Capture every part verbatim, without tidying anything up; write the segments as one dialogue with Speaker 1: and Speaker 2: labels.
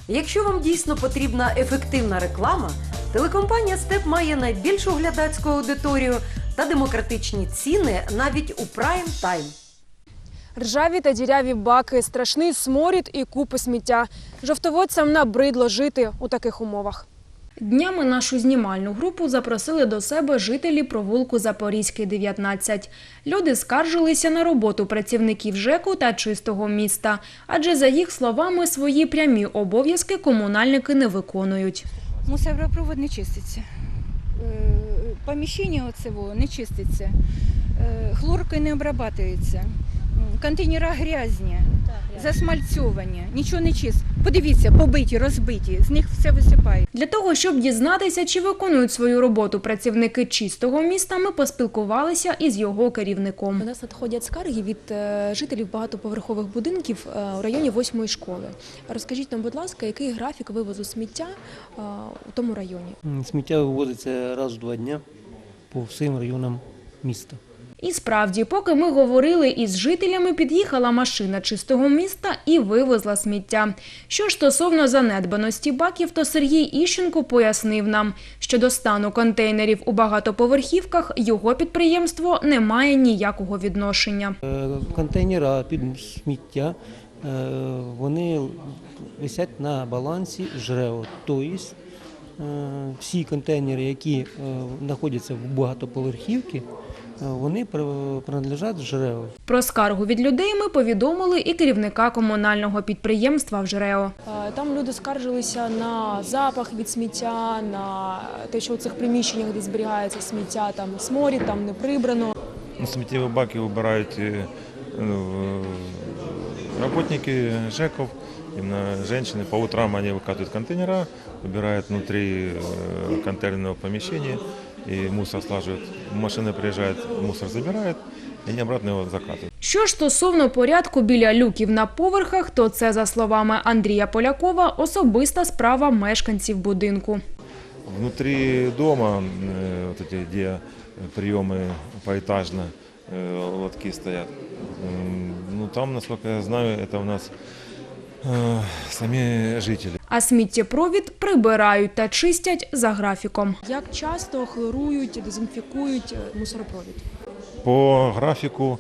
Speaker 1: Якщо вам дійсно потрібна ефективна реклама, телекомпанія «Степ» має найбільшу глядацьку аудиторію та демократичні ціни навіть у прайм-тайм.
Speaker 2: Ржаві та діряві баки, страшний сморід і купи сміття. Жовтоводцям набридло жити у таких умовах. Днями нашу знімальну групу запросили до себе жителі провулку Запорізький, дев'ятнадцять. Люди скаржилися на роботу працівників ЖЕКу та чистого міста. Адже, за їх словами, свої прямі обов'язки комунальники не виконують.
Speaker 3: Мусоропровод не чиститься, поміщення оцього не чиститься, хлоркою не обрабатується, контейнери грязні, засмальцьовані, нічого не чисто. Подивіться, побиті, розбиті, з них все висипає.
Speaker 2: Для того, щоб дізнатися, чи виконують свою роботу працівники чистого міста, ми поспілкувалися із його керівником.
Speaker 4: У нас надходять скарги від жителів багатоповерхових будинків у районі восьмої школи. Розкажіть нам, будь ласка, який графік вивозу сміття у тому районі?
Speaker 5: Сміття вивозиться раз в два дні по всім районам міста.
Speaker 2: І справді, поки ми говорили із жителями, під'їхала машина чистого міста і вивезла сміття. Що ж стосовно занедбаності баків, то Сергій Іщенко пояснив нам, що до стану контейнерів у багатоповерхівках його підприємство не має ніякого відношення.
Speaker 5: Контейнери під сміття, вони висять на балансі ЖРЕО, тобто всі контейнери, які знаходяться в багатоповерхівці, вони принадлежать ЖРЕО.
Speaker 2: Про скаргу від людей ми повідомили і керівника комунального підприємства в ЖРЕО.
Speaker 4: Там люди скаржилися на запах від сміття, на те, що у цих приміщеннях, де зберігається сміття, там сморід, там не прибрано.
Speaker 6: Сміттєві баки вибирають працівники ЖЕКів, именно женщины. По утрам они выкатывают контейнера, убирают внутри контейнерного помещения и мусор слаживают. Машина приезжает, мусор забирает, і вони обратно його закатують.
Speaker 2: Що ж стосовно порядку біля люків на поверхах, то це, за словами Андрія Полякова, особиста справа мешканців будинку.
Speaker 6: Внутрі дому, де прийоми поетажно, лотки стоять, ну там, наскільки я знаю, це у нас самі жителі.
Speaker 2: А сміттєпровід прибирають та чистять за графіком.
Speaker 4: Як часто хлорують, дезінфікують мусоропровід?
Speaker 6: По графіку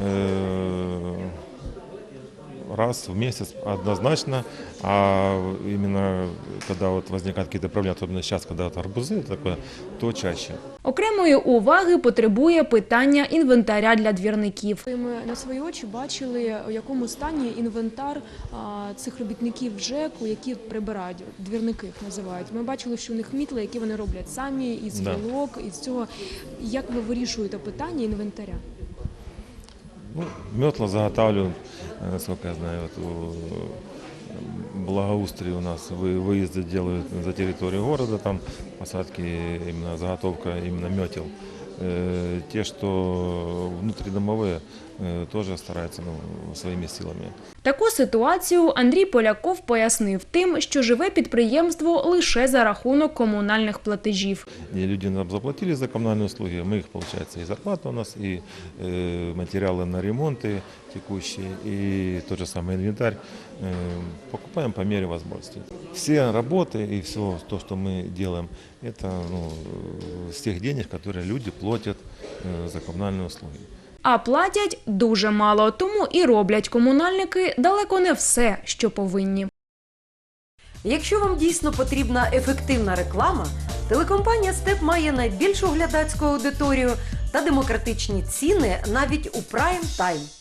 Speaker 6: раз в месяц однозначно, а именно когда вот возникают какие-то проблемы, особенно сейчас, когда вот арбузы, такое, то чаще.
Speaker 2: Окремої уваги потребує питання інвентаря для двірників.
Speaker 4: Ми на свої очі бачили, у якому стані інвентар цих робітників ЖЕКу, які прибирають, двірники їх називають. Ми бачили, що у них мітли, які вони роблять самі, із гілок, із цього. Як ви вирішуєте питання інвентаря?
Speaker 6: Ну, метла заготавливают, насколько я знаю, вот у Благоустрии у нас выезды делают за территорию города, там посадки, именно заготовка именно метел. Те, что внутридомовые, тоже стараются ну, своими силами.
Speaker 2: Таку ситуацію Андрій Поляков пояснив тим, що живе підприємство лише за рахунок комунальних платежів.
Speaker 6: Люди нам заплатили за коммунальные услуги, мы их, получается, и зарплата у нас, и э, материалы на ремонты текущие, и тот же самый инвентарь э, покупаем по мере возможности. Все работы и все то, что мы делаем, это ну, с тех денег, которые люди платят э, за коммунальные услуги.
Speaker 2: А платять дуже мало, тому і роблять комунальники далеко не все, що повинні.
Speaker 1: Якщо вам дійсно потрібна ефективна реклама, телекомпанія «Степ» має найбільшу глядацьку аудиторію та демократичні ціни навіть у прайм-тайм.